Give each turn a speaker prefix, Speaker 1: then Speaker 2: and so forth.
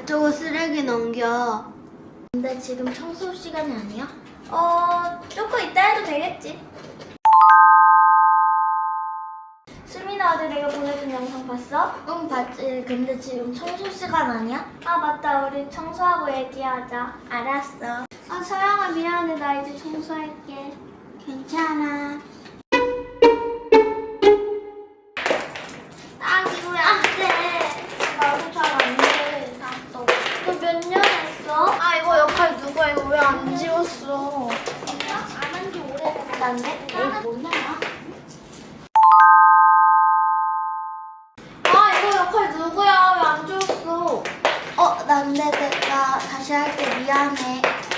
Speaker 1: 저거 쓰레기 넘겨.
Speaker 2: 근데 지금 청소 시간이 아니야? 조금 이따 해도 되겠지. 수민아, 어제 내가 보내준 영상 봤어? 응, 봤지. 근데 지금 청소 시간 아니야? 아, 맞다. 우리 청소하고 얘기하자. 알았어. 아, 서영아, 미안해. 나 이제 청소할게.
Speaker 1: 괜찮아.
Speaker 2: 이거 왜 안 돼? 나도 잘 안 돼. 너 몇 년 했어?
Speaker 1: 아, 이거 역할 누가 이거 왜 안 지웠어?
Speaker 2: 안 한 지 오래됐다네?
Speaker 1: 뭐냐?
Speaker 2: 아, 이거 역할 누구야? 왜 안 지웠어?
Speaker 1: 난데 내가 다시 할게. 미안해.